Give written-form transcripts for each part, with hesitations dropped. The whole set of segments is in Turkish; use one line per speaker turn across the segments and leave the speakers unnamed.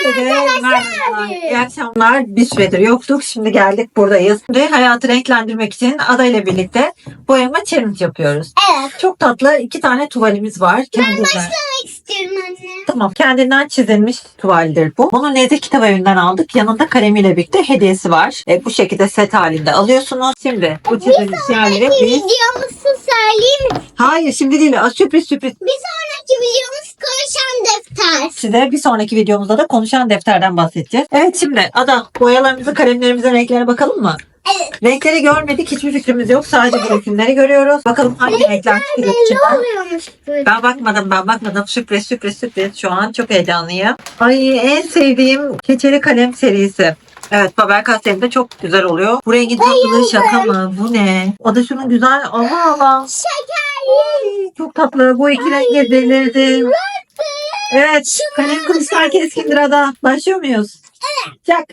Merhaba. İyi akşamlar. Bir süredir yoktuk. Şimdi geldik, buradayız. Ve hayatı renklendirmek için Ada ile birlikte boyama challenge yapıyoruz.
Evet.
Çok tatlı 2 tane tuvalimiz var. Kendinden.
Başlamak istiyorum anne.
Tamam. Kendinden çizilmiş tuvaldir bu. Bunu Nezih Kitap Evi'nden aldık. Yanında kalemiyle birlikte hediyesi var. Bu şekilde set halinde alıyorsunuz. Şimdi bu çizilmiş yerleri biz...
Videomuzu söyleyeyim mi?
Hayır, şimdi değil. Sürpriz.
Bir sonraki videomuz konuşan defter.
Size bir sonraki videomuzda da konuşan defterden bahsedeceğiz. Evet, şimdi Ada, boyalarımızı, kalemlerimizin renklerine bakalım mı?
Evet.
Renkleri görmedik. Hiçbir fikrimiz yok. Sadece bu resimleri görüyoruz. Bakalım hangi renkler çıkacak
Belli
içinden.
oluyormuş böyle.
Ben bakmadım. Sürpriz. Şu an çok heyecanlıyım. Ay, en sevdiğim keçeli kalem serisi. Evet, Faber-Castell'in de çok güzel oluyor. Bu rengin tatlılığı şaka mı? Bu ne? O da şunun güzel. Allah.
Şekerli.
Çok tatlı. Bu iki renge delirdim. Evet. Kalem kılıçlar keskindir Ada. Başlıyor muyuz? Evet. Çak.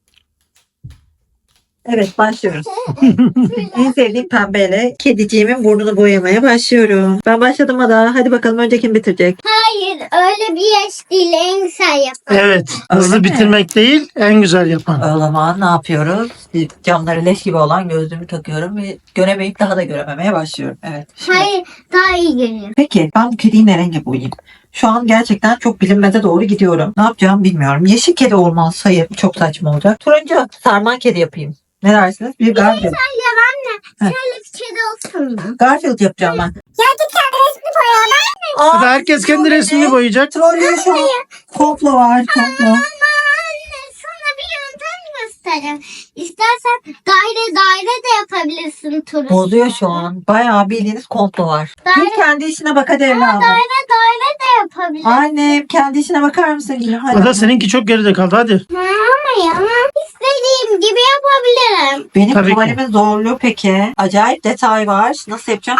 Evet, başlıyoruz. En sevdiğim pembeyle kediciğimin burnunu boyamaya başlıyorum. Ben başladım Ada. Hadi bakalım, önce kim bitirecek?
Hayır, öyle bir yaş değil. En güzel yapar.
Evet.
Öyle
Hızlı
mi?
bitirmek değil, en güzel yapan.
O zaman ne yapıyoruz? Camları leş gibi olan gözlüğümü takıyorum ve göremeyip daha da görememeye başlıyorum. Evet. Şimdi-
Hayır, daha iyi görüyorum.
Peki ben bu kediyi ne renge boyayayım? Şu an gerçekten çok bilinmeze doğru gidiyorum. Ne yapacağımı bilmiyorum. Yeşil kedi olmaz. Hayır, çok saçma olacak. Turuncu sarman kedi yapayım. Ne dersiniz? Bir Garfield.
Ya anne,
Heh.
şöyle bir kedi olsun mu?
Garfield yapacağım ben.
Ya git kendi resmini boya.
Hadi herkes kendi resmini boyayacak.
Trollüyor şu an. Komplo var. Komplo.
Ama anne, sana bir yöntem göstereyim. İstersen daire de yapabilirsin turu.
Bozuyor şu an. Bayağı bildiğiniz komplo var.
Daire-
Gir kendi işine bak hadi evladım.
Daire de yapabilirsin.
Annem, kendi işine bakar mısın yine? Hadi.
Ada seninki çok geride kaldı, hadi.
Ama ya, istediğim gibi yapabilirim.
Benim
Tabii ki.
tuvalimin zorluğu peki. Acayip detay var. Nasıl yapacağım?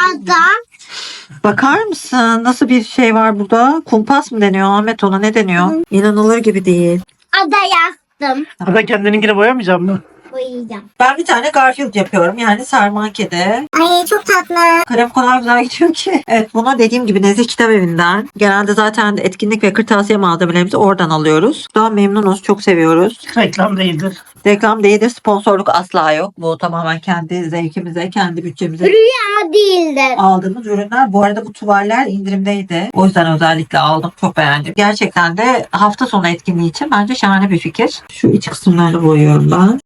Bakar mısın? Nasıl bir şey var burada? Kumpas mı deniyor Ahmet, ona ne deniyor? İnanılır gibi değil.
Ada yaptım.
Ada kendininkini boyamayacak mı?
Boyayacağım.
Ben bir tane Garfield yapıyorum. Yani sarman kedi.
Ay çok tatlı.
Kalem o kadar güzel gidiyor ki. Evet, buna dediğim gibi Nezih Kitap Evi'nden. Genelde zaten etkinlik ve kırtasiye malzemelerimizi oradan alıyoruz. Daha memnunuz. Çok seviyoruz.
Reklam değildir.
Reklam değildir. Sponsorluk asla yok. Bu tamamen kendi zevkimize, kendi bütçemize
Rüya değildir.
aldığımız ürünler. Bu arada bu tuvaller indirimdeydi. O yüzden özellikle aldım. Çok beğendim. Gerçekten de hafta sonu etkinliği için bence şahane bir fikir. Şu iç kısımlarını boyuyorum ben.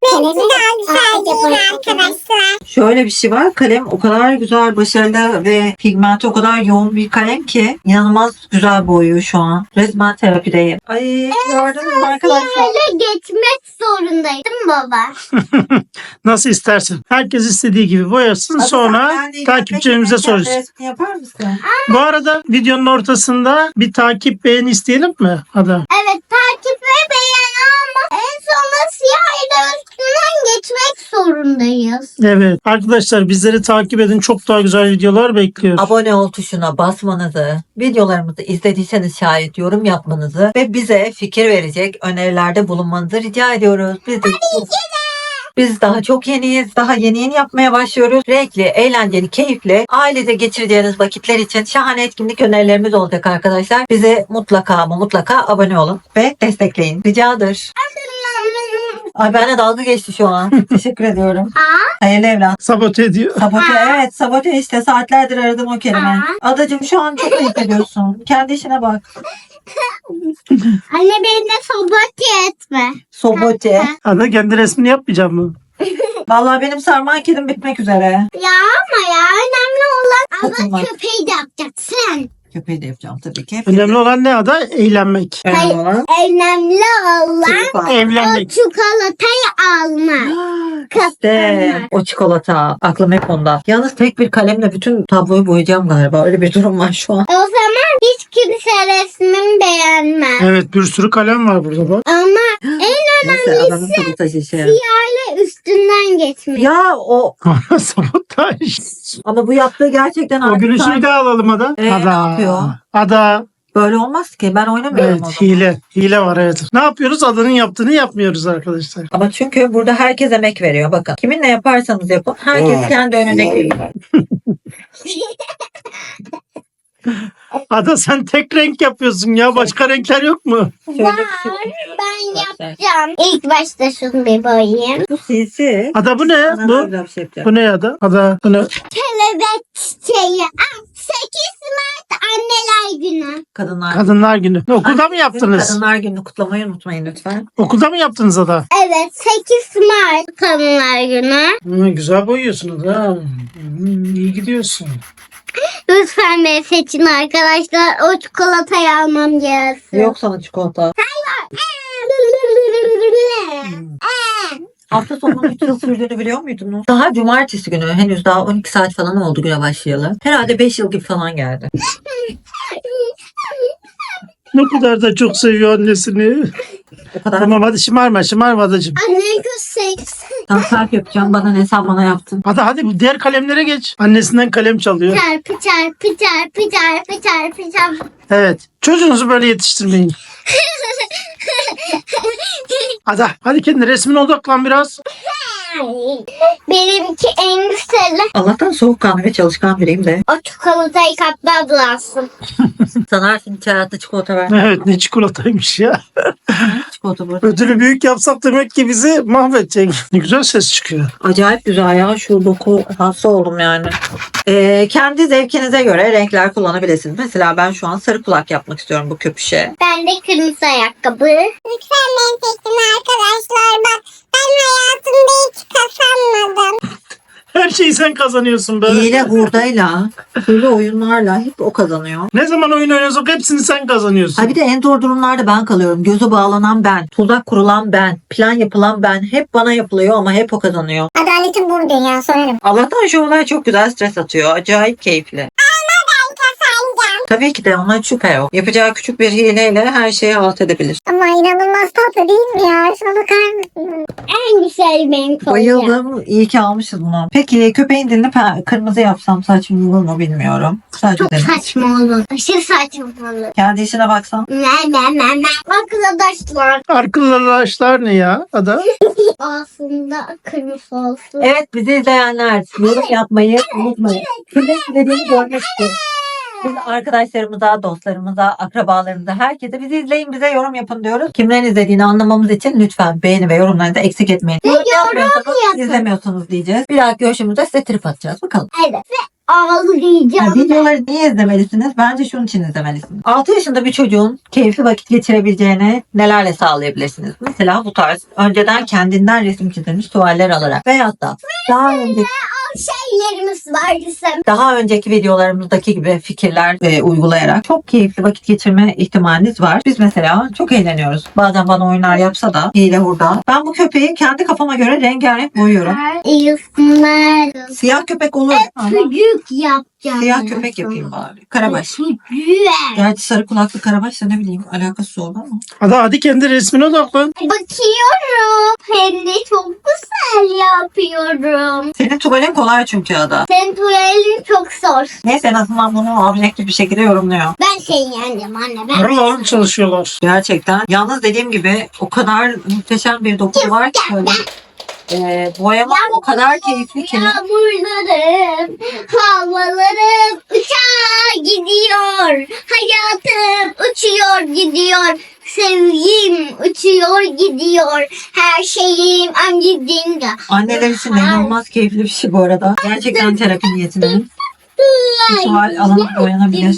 Arkadaşlar.
Şöyle bir şey var. Kalem o kadar güzel, başarılı ve pigmenti o kadar yoğun bir kalem ki inanılmaz güzel boyuyor şu an. Resmen terapideyim. Ay, gördünüz mü arkadaşlar?
Böyle geçmek zorundayım değil mi baba?
Nasıl istersin. Herkes istediği gibi boyasın, sonra takipçilerimize soracağız.
Resmini yapar mısın?
Bu arada videonun ortasında bir takip, beğeni isteyelim mi Ada?
Evet, takip ve beğen ama en sonunda siyah üstünden geçmek zorundayız.
Evet. Arkadaşlar bizleri takip edin. Çok daha güzel videolar bekliyoruz.
Abone ol tuşuna basmanızı, videolarımızı izlediyseniz şayet yorum yapmanızı ve bize fikir verecek önerilerde bulunmanızı rica ediyoruz. Biz daha çok yeniyiz. Daha yeni yapmaya başlıyoruz. Renkli, eğlenceli, keyifli, ailede geçireceğiniz vakitler için şahane etkinlik önerilerimiz olacak arkadaşlar. Bize mutlaka ama mutlaka abone olun ve destekleyin. Ricadır. Ay, benimle dalga geçti şu an. Teşekkür ediyorum. Hayırlı evlat.
Sabote ediyor.
Sabote, evet, sabote işte. Saatlerdir aradım o kelime. Adacığım, şu an çok ayıp ediyorsun. Kendi işine bak.
Anne, beni de sabote etme.
Sabote.
Ada kendi resmini yapmayacak mı?
Vallahi benim sarman kedim bitmek üzere.
Ya ama ya, önemli olan
Takılmak.
ama köpeği de yapacaksın.
Köpeği de yapacağım tabii ki.
Önemli olan ne Ada? Eğlenmek.
Önemli olan
Önemli olan
çocuk var.
o
Evlenmek.
çikolatayı alma.
İşte o çikolata. Aklım hep onda. Yalnız tek bir kalemle bütün tabloyu boyayacağım galiba. Öyle bir durum var şu an.
O zaman hiç kimse resmimi beğenmez.
Evet, bir sürü kalem var burada bak.
Ama en
Neyse, adamın tadı taşı şey.
siyahla üstünden geçmek.
Ya o,
Sabotaj.
ama bu yaptığı gerçekten
O gülüşü
artık
bir daha alalım Ada.
Ne yapıyor?
Ada.
böyle olmaz ki. Ben oynamıyorum
Evet,
o zaman.
hile. Hile var, evet. Ne yapıyoruz? Adanın yaptığını yapmıyoruz arkadaşlar.
Ama çünkü burada herkes emek veriyor. Bakın, kiminle yaparsanız yapın. Herkes kendi önündeki.
Ada sen tek renk yapıyorsun ya. Başka renkler yok mu?
Şöyle bir şey.
Ben yapacağım. İlk başta şunu bir boyayayım.
Bu sinsi.
Ada bu ne?
Sana daha
Bu,
güzel bir şey yapacak.
bu ne Ada? Ada bu ne?
Kelebek çiçeği. 8 Mart Anneler Günü.
Kadınlar.
Kadınlar Günü. Okulda mı yaptınız?
Kadınlar gününü kutlamayı unutmayın lütfen.
Okulda mı yaptınız Ada?
Evet 8 Mart Kadınlar Günü.
Güzel boyuyorsunuz ha. İyi gidiyorsun.
Lütfen beni seçin arkadaşlar. O çikolatayı almam gelsin.
Yok sana çikolata. Hafta sonunun 3 yıl sürdüğünü biliyor muydunuz? Daha cumartesi günü. Henüz daha 12 saat falan oldu güne başlayalı. Herhalde 5 yıl gibi falan geldi.
Ne kadar da çok seviyor annesini.
O kadar.
Tamam hadi şımarma adacığım.
Annem göstersin.
Tam kalp yapacağım. Bana ne sen bana yaptın.
Hadi diğer kalemlere geç. Annesinden kalem çalıyor.
Çarpı çarpı çarpı çarpı çarpı çarpı.
Evet. Çocuğunuzu böyle yetiştirmeyin. Hadi kendi resmine odaklan biraz.
Benimki en güzeli.
Allah'tan soğukkanlı ve çalışkan biriyim de.
O çikolatayı kapla bulasın.
Sanarsın hiç hayatta çikolata ver.
Evet ne çikolataymış ya.
Çikolata burada.
Ödülü büyük yapsak demek ki bizi mahvedecek. Ne güzel ses çıkıyor.
Acayip güzel ya. Şu doku hasta oldum yani. Kendi zevkinize göre renkler kullanabilirsiniz. Mesela ben şu an sarı kulak yapmak istiyorum bu köpüşe.
Ben de kırmızı ayakkabı. Lütfen beni seçin arkadaşlar. Bak ben hayatımda hiç kazanmadım.
Her şeyi sen kazanıyorsun be.
Hile hurdayla, hile oyunlarla hep o kazanıyor.
Ne zaman oyun oynuyorsak hepsini sen kazanıyorsun.
Ha bir de en zor durumlarda ben kalıyorum. Gözü bağlanan ben, tuzak kurulan ben, plan yapılan ben. Hep bana yapılıyor ama hep o kazanıyor.
Adaletin burada ya sorarım.
Allah'tan şu olay çok güzel stres atıyor. Acayip keyifli. Tabii ki de ona şüphe yok. Yapacağı küçük bir hileyle her şeyi halt edebilir.
Ama inanılmaz tatlı değil mi ya? Şuna bakar mısın? En güzel benim kolye.
Bayıldım. İyi ki almışız bunu. Peki köpeğin dilini kırmızı yapsam saçım olur mu bilmiyorum. Sadece
Çok
dedim.
saçma olur. Aşırı saçma olur.
Kendi işine baksan.
Ne. Arkadaşlar
Arkadaşlar ne ya Ada?
aslında kırmızı olsun.
Evet bizi izleyenler yorum yapmayı unutmayın. Sizin dediğini görmek istiyorum. Biz arkadaşlarımıza, dostlarımıza, akrabalarımıza, herkese bizi izleyin, bize yorum yapın diyoruz. Kimlerin izlediğini anlamamız için lütfen beğeni ve yorumlarınızı eksik etmeyin. Yorum yapmıyorsanız
yapın.
izlemiyorsunuz diyeceğiz. Bir dahaki görüşümüzde size trip atacağız. Bakalım.
Evet. Ve ağlayacağım.
Yani videoları niye izlemelisiniz? Bence şunun için izlemelisiniz. 6 yaşında bir çocuğun keyifli vakit geçirebileceğini nelerle sağlayabilirsiniz? Mesela bu tarz önceden kendinden resim çizilmiş tuvaller alarak veyahut da daha önceki videolarımızdaki gibi fikirler uygulayarak çok keyifli vakit geçirme ihtimaliniz var. Biz mesela çok eğleniyoruz. Bazen bana oyunlar yapsa da hile hurda. Ben bu köpeği kendi kafama göre rengarenk boyuyorum. Siyah köpek olur ama
Çocuk yapacağım.
siyah köpek yapayım bari. Karabaş.
Çocuk.
Gerçi sarı kulaklı karabaş da ne bileyim alakası oldu ama.
Ada hadi kendi resmine odaklan.
Bakıyorum. Hem de çok güzel yapıyorum.
Senin tuvalin kolay çünkü Ada.
Senin tuvalin çok zor.
Neyse en azından bunu objektif bir şekilde yorumluyor.
Ben seni yendim anne. Ben
Harıl harıl çalışıyorlar.
Gerçekten. Yalnız dediğim gibi o kadar muhteşem bir dokusu var ki böyle. Boyama o kadar keyifli ki.
Yağmurlarım, havalarım uçağa gidiyor. Hayatım uçuyor gidiyor. Sevgim uçuyor gidiyor. Her şeyim amcacığımda.
Anneler için inanılmaz keyifli bir şey bu arada. Gerçekten terapi niyetine. Tuval alınıp boyanabilir.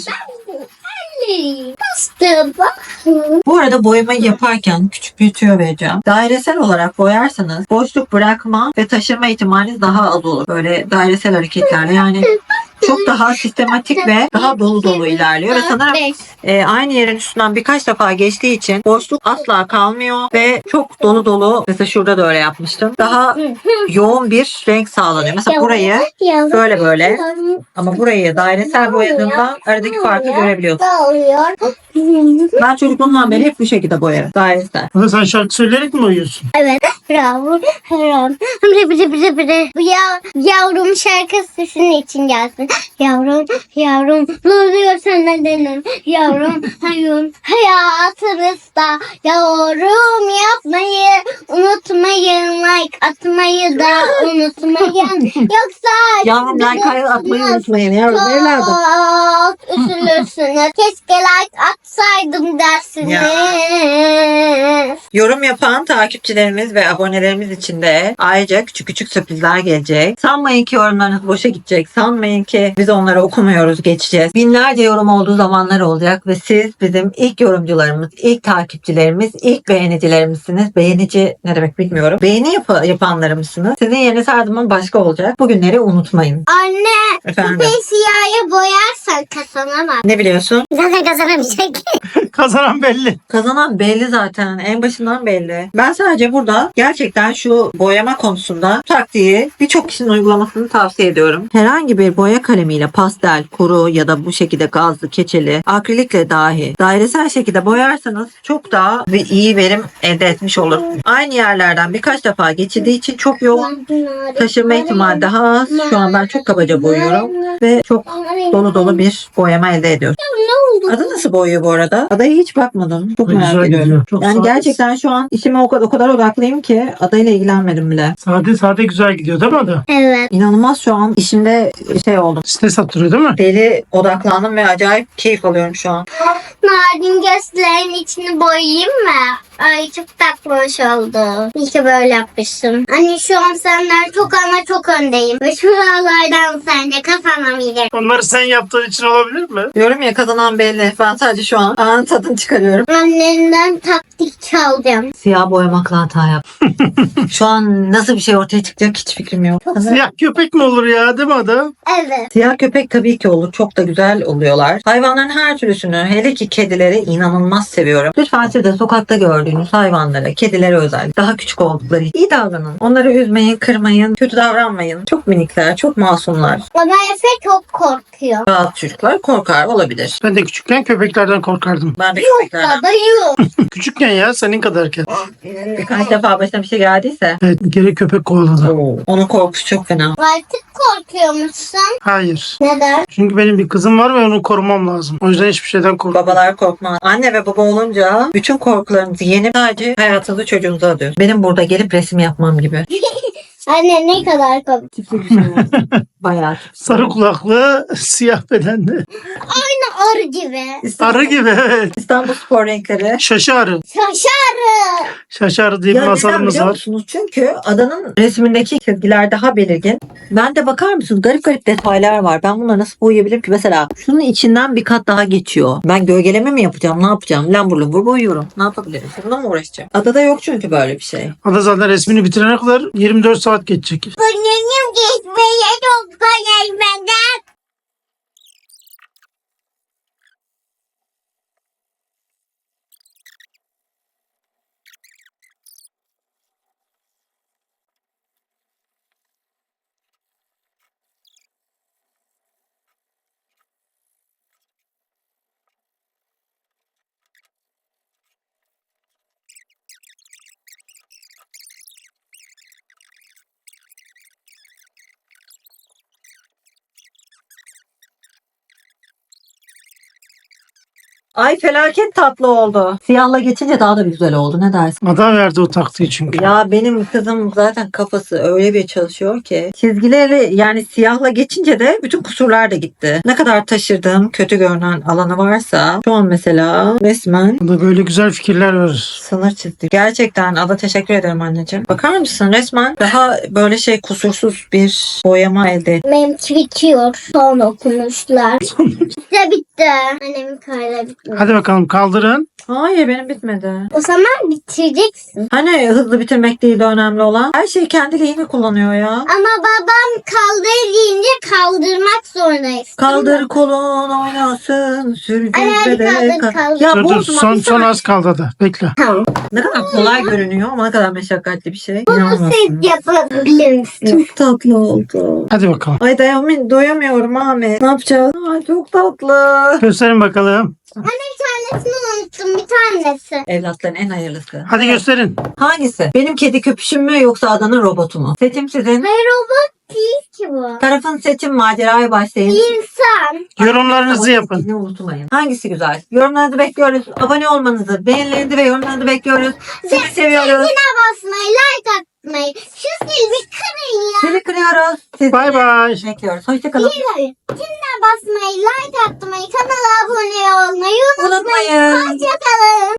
Bastım.
Bu arada boyamayı yaparken küçük bir tüyo vereceğim. Dairesel olarak boyarsanız boşluk bırakma ve taşırma ihtimaliniz daha az olur. Böyle dairesel hareketlerle yani çok daha sistematik ve daha dolu dolu ilerliyor. Ve sanırım aynı yerin üstünden birkaç defa geçtiği için boşluk asla kalmıyor ve çok dolu dolu. Mesela şurada da öyle yapmıştım. Daha yoğun bir renk sağlanıyor. Mesela burayı böyle ama burayı dairesel boyadığımda aradaki farkı görebiliyorsun. Ben çocukluğumdan beri hep bu şekilde boyarım. Dairesel.
Ada sen şarkı söyleyerek mi boyuyorsun?
Evet. Bravo. Bravo. Bu yavrum şarkısı sizin için gelsin. Yavrum, yavrum, ne oluyor senden dedim. Yavrum, hayatınızda yavrum yapmayı unutmayın. Like atmayı da unutmayın. Yoksa
Yavrum like atmayı unutmayın yavrum. Evladım.
çok üzülürsünüz. Keşke like atsaydım dersiniz.
Yorum yapan takipçilerimiz ve abonelerimiz için de ayrıca küçük küçük sürprizler gelecek. Sanmayın ki yorumlarınız boşa gidecek. Sanmayın ki biz onları okumuyoruz, geçeceğiz. Binlerce yorum olduğu zamanlar olacak ve siz bizim ilk yorumcularımız, ilk takipçilerimiz, ilk beğenicilerimizsiniz. Beğenici ne demek bilmiyorum. Beğeni yapanlarımızsınız. Sizin yeriniz her zaman başka olacak. Bugünleri unutmayın.
Anne,
Efendim?
köpeği siyaha boyarsan kazanamaz.
Ne biliyorsun?
Zaten kazanamayacak.
Kazanan belli.
Kazanan belli zaten. En başından belli. Ben sadece burada gerçekten şu boyama konusunda taktiği birçok kişinin uygulamasını tavsiye ediyorum. Herhangi bir boya kalemiyle pastel, kuru ya da bu şekilde gazlı, keçeli, akrilikle dahi dairesel şekilde boyarsanız çok daha iyi verim elde etmiş olur. Aynı yerlerden birkaç defa geçildiği için çok yoğun, taşırma ihtimali daha az. Şu an ben çok kabaca boyuyorum ve çok dolu dolu bir boyama elde ediyorum.
Ne oldu?
Adı nasıl boyuyor bu arada? Adaya hiç bakmadım. Çok
Güzel
merak ediyorum.
gidiyor. Çok
Yani
sade.
gerçekten şu an işime o kadar odaklıyım ki adayla ilgilenmedim bile.
Sade güzel gidiyor değil mi adı?
Evet.
İnanılmaz şu an işimde oldum.
Stres attırıyor değil mi?
Deli odaklandım ve acayip keyif alıyorum şu an.
Narin gözlerin içini boyayayım mı? Ay çok tatlış oldu. İyi ki böyle yapmışsın. Anne şu an senden çok ama çok öndeyim. Ve şuralardan sen de kazanamayacak.
Onları sen yaptığın için olabilir mi?
Diyorum ya kazanan belli. Ben sadece şu an anın tadını çıkarıyorum.
Annenden taktik çalacağım.
Siyah boyamakla hata yap. Şu an nasıl bir şey ortaya çıkacak hiç fikrim yok.
Siyah köpek mi olur ya değil mi adı?
Evet.
Siyah köpek tabii ki olur. Çok da güzel oluyorlar. Hayvanların her türlüsünü, hele ki kedileri inanılmaz seviyorum. Lütfen siz de sokakta gördüğünüz hayvanlara, kedilere özel, daha küçük oldukları iyi davranın. Onları üzmeyin, kırmayın, kötü davranmayın. Çok minikler, çok masumlar.
Ama Efe çok korkuyor.
Bazı çocuklar korkar olabilir.
Ben de küçükken köpeklerden korkardım.
Ben de
Yok
köpeklerden.
baba yok.
Küçükken ya senin kadarken.
Birkaç defa başına bir şey geldiyse
Evet bir kere köpek kovaladı.
onun korkusu çok fena.
Artık korkuyor musun?
Hayır.
Neden?
Çünkü benim bir kızım var ve onu korumam lazım. O yüzden hiçbir şeyden korkmam.
Babalar korkmaz. Anne ve baba olunca bütün korkularınızı yenip sadece hayatınızı çocuğunuza adıyorsunuz. Benim burada gelip resim yapmam gibi.
Anne ne kadar komik.
Tipli bir şey var. Bayağı tipli.
Sarı kulaklı, siyah bedenli.
Aynı arı gibi.
Arı gibi evet.
İstanbul spor renkleri.
Şaşı arı.
Şaşarı.
Şaşı arı diye bir
Ya neden
masalımız
biliyor
var.
musunuz? Çünkü adanın resmindeki çizgiler daha belirgin. Ben de bakar mısınız? Garip garip detaylar var. Ben bunları nasıl boyayabilirim ki? Mesela şunun içinden bir kat daha geçiyor. Ben gölgeleme mi yapacağım? Ne yapacağım? Lambur lumbur boyuyorum. Ne yapabilirim? Bununla mı uğraşacağım? Adada yok çünkü böyle bir şey.
Ada zaten resmini bitirene kadar 24 saat geçecek.
Bunun geçmeye çok geçmeden.
Ay felaket tatlı oldu. Siyahla geçince daha da bir güzel oldu. Ne dersin?
Ada verdi o taktiği çünkü.
Ya benim kızım zaten kafası öyle bir çalışıyor ki çizgileri yani siyahla geçince de bütün kusurlar da gitti. Ne kadar taşırdığım kötü görünen alanı varsa şu an mesela resmen
Ada böyle güzel fikirler verir.
sınır çizdi. Gerçekten Ada teşekkür ederim anneciğim. Bakar mısın resmen daha böyle kusursuz bir boyama elde ettim.
Benimki bitiyor. Son okumuşlar. Bitti bitti. Annemin kayda bitti.
Hadi bakalım kaldırın.
Hayır benim bitmedi.
O zaman bitireceksin.
Hani hızlı bitirmek değil de önemli olan. Her şeyi kendiliğini kullanıyor ya.
Ama babam kaldır deyince kaldırmak zorundayız.
Kaldır kolun oynasın sürgün
Ay, hadi
bebek.
kaldır, kaldır.
Ya
Dur
bu
dur son az kaldı Ada. Bekle.
Tamam.
ne kadar kolay görünüyor ama ne kadar meşakkatli bir şey.
Bunu
İnanamazsın.
siz yapabilir misiniz?
Çok tatlı oldu.
Hadi bakalım.
Ay doyamıyorum Ahmet. Ne yapacağız? Ay çok tatlı.
Gösterin bakalım.
Bir tanesini unuttum. Bir tanesi.
Evlatların en hayırlısı.
Hadi gösterin.
Hangisi? Benim kedi köpüşüm mü yoksa adanın robotu mu? Seçim sizin.
Hayır robot değil ki bu.
Tarafın seçim maceraya başlayın.
İnsan.
Yorumlarınızı yapın.
Ne unutmayın. Hangisi güzel? Yorumlarınızı bekliyoruz. Abone olmanızı, beğenilerinizi ve yorumlarınızı bekliyoruz. Sizi seviyoruz.
Zile basmayı, like atmayı. Şu zili kırın ya.
Sizi kırıyoruz. Sizi
Bay bay.
bekliyoruz. Hoşçakalın.
Zile basmayı, like atmayı, kanala abone olmayı unutmayın.
Unutmayın.
Hoşçakalın.